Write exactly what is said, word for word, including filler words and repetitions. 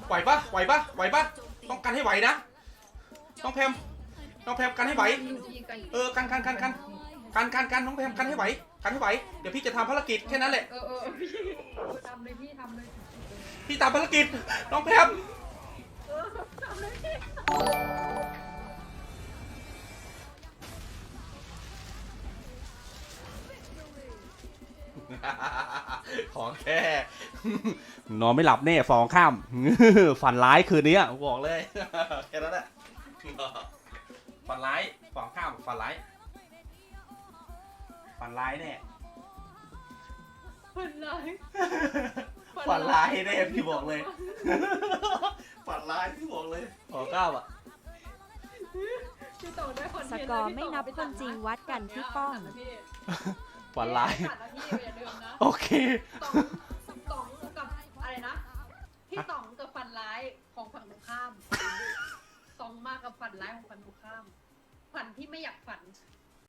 ไหวปะไหวปะไหวปะต้องกันให้ไหวนะน้องแพมน้องแพมกันให้ไหวเออกันกันกันกันกันกันกันน้องแพมกันให้ไหวกันให้ไหวเดี๋ยวพี่จะทำภารกิจแค่นั้นแหละเออเออพี่ทำเลยพี่ทำเลยพี่ทำภารกิจน้องแพมเออทำเลยพี่ของแค่นอนไม่หลับแน่ฟองข้ามฝันร้ายคืนนี้บอกเลยแค่นั้นแหละฝันร้ายฟองข้ามฝันร้ายฝันร้ายแน่ฝันร้ายฝันร้ายแน่พี่บอกเลยฝันร้ายพี่บอกเลยฟองข้ามอ่ะสกอร์ไม่นับคนจริงวัดกันที่ป้องฝันร้ายโอเคต๋องต๋องกับอะไรนะพี่ต๋องกับฝันร้ายของฝั่งตรงข้ามต๋องมากกับฝันร้ายของฝั่งตรงข้ามฝันที่ไม่อยากฝัน